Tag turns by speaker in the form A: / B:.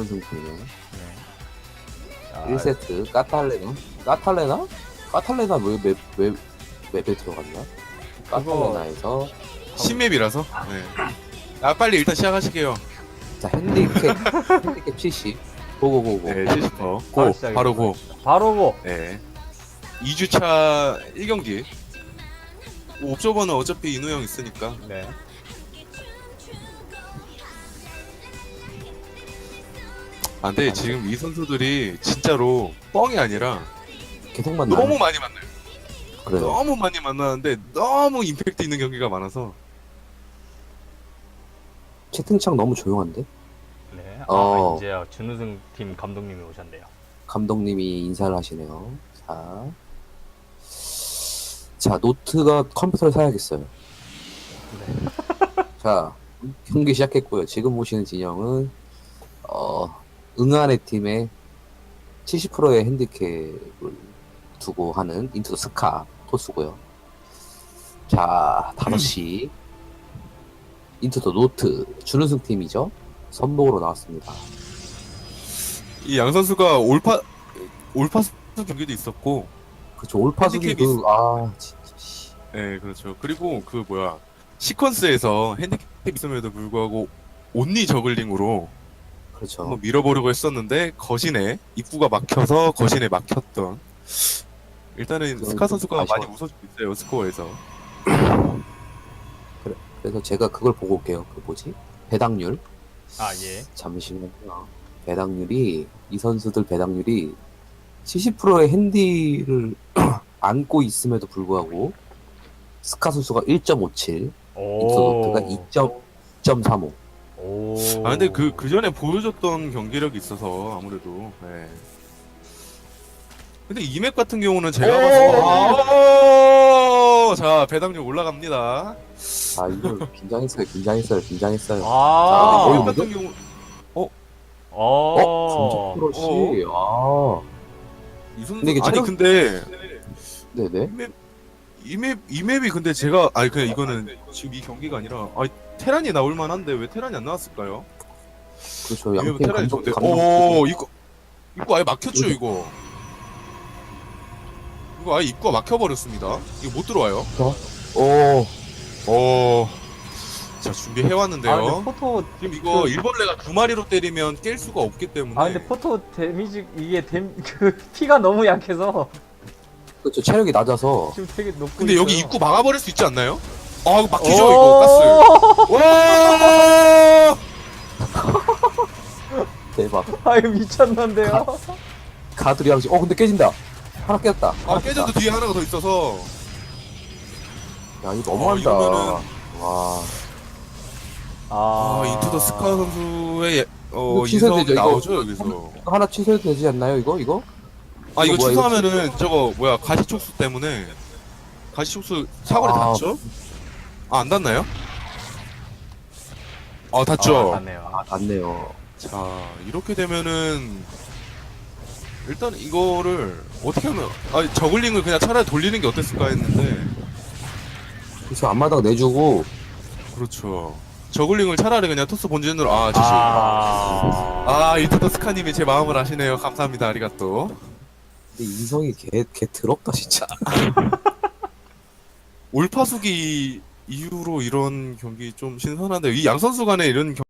A: 준우승 팀이네.
B: 네. 자,
A: 1세트 까탈레나 왜 맵에 들어갔냐? 까탈레나에서
C: 신맵이라서. 네. 아 빨리 일단 시작하시게요.
A: 자 핸디캡 70 고고고고.
C: 네, 70%.
B: 바로
C: 고
B: 시작해
C: 바로 고.
B: 바로 고.
C: 네. 2주차 1경기. 옵저버는 어차피 인우 형 있으니까.
B: 네.
C: 아, 근데 지금 이 선수들이 진짜로 뻥이 아니라
A: 계속 만나.
C: 너무 많이 만나요.
A: 그래요.
C: 너무 많이 만나는데 너무 임팩트 있는 경기가 많아서.
A: 채팅창 너무 조용한데?
B: 네.
A: 어.
B: 이제 준우승 팀 감독님이 오셨네요.
A: 감독님이 인사를 하시네요. 자 노트가 컴퓨터를 사야겠어요.
B: 네.
A: 자 경기 시작했고요. 지금 보시는 진영은 응안의 팀의 70%의 핸디캡을 두고 하는 인투 더 스카 토스고요. 자 5시 인투 더 노트 준우승 팀이죠. 선봉으로 나왔습니다.
C: 이 양 선수가 올파스 경기도 있었고.
A: 그쵸 올파수기
C: 핸디캡이
A: 진짜 씨.
C: 네, 그렇죠. 그리고 시퀀스에서 핸디캡 있음에도 불구하고 온리 저글링으로
A: 그렇죠.
C: 한번 밀어보려고 했었는데 거신에 입구가 막혀서 거신에 막혔던. 일단은
A: 그건
C: 스카
A: 좀
C: 선수가
A: 아쉬워.
C: 많이 웃어주고 있어요, 스코어에서.
A: 그래서 제가 그걸 보고 올게요. 그 뭐지? 배당률.
B: 예.
A: 잠시만요. 배당률이 이 선수들 배당률이 70%의 핸디를 안고 있음에도 불구하고 스카 선수가 1.57, 인터노트가 2.35.
B: 오.
C: 아, 근데 그 전에 보여줬던 경기력이 있어서 아무래도. 네. 근데 이 맵 같은 경우는 제가 봤을 때. 자, 배당률 올라갑니다.
A: 아 이거 긴장했어요.
B: 아.
C: 이
A: 어,
C: 맵 같은 경우.
B: 어.
A: 감정 프로시.
C: 이 선수
A: 근데 이게
C: 아니
A: 체력-
C: 근데
A: 네네.
C: 이 맵이 근데 제가 그냥 이거는 지금 이 경기가 아니라 테란이 나올 만한데 왜 테란이 안 나왔을까요?
A: 그렇죠.
C: 이 맵은
A: 양팀
C: 테란이
A: 감정
C: 좋은데.
A: 감정.
C: 이거 아예 막혔죠 이거. 이거 아예 입구가 막혀버렸습니다. 이거 못 들어와요.
A: 오.
C: 자 준비해 왔는데요.
B: 근데 포토
C: 지금 이거 일벌레가 두 마리로 때리면 깰 수가 없기 때문에.
B: 근데 포토 데미지 그 피가 너무 약해서
A: 그렇죠. 체력이 낮아서.
B: 지금 되게 높고
C: 근데 여기
B: 있어요.
C: 입구 막아버릴 수 있지 않나요? 이거 막히죠 이거 가스. 와!
A: 대박.
B: 이거 미쳤는데요.
A: 가두리 양식. 근데 깨진다. 하나 깨졌다.
C: 깨져도 뒤에 하나가 더 있어서.
A: 야 이거 너무한다.
C: 이러면은-
A: 와.
C: 인투 더 스카 선수의
A: 이거 취소되죠,
C: 인성이
A: 이거.
C: 나오죠 여기서.
A: 하나 취소해도 되지 않나요 이거?
C: 이거
A: 뭐야, 이거
C: 취소하면은 가시촉수 때문에 가시촉수 사거리
A: 아.
C: 닿죠? 안 닿나요? 닿죠.
B: 맞네요.
A: 맞네요.
C: 자 이렇게 되면은 일단 이거를 어떻게 하면 저글링을 그냥 차라리 돌리는 게 어땠을까 했는데.
A: 그래서 앞마당 내주고
C: 그렇죠. 저글링을 차라리 그냥 토스 본진으로 인투 더 스카님이 제 마음을 아시네요. 감사합니다. 아리가또.
A: 근데 인성이 개 더럽다 진짜.
C: 올파수기 이후로 이런 경기 좀 신선한데 이 양 선수 간에 이런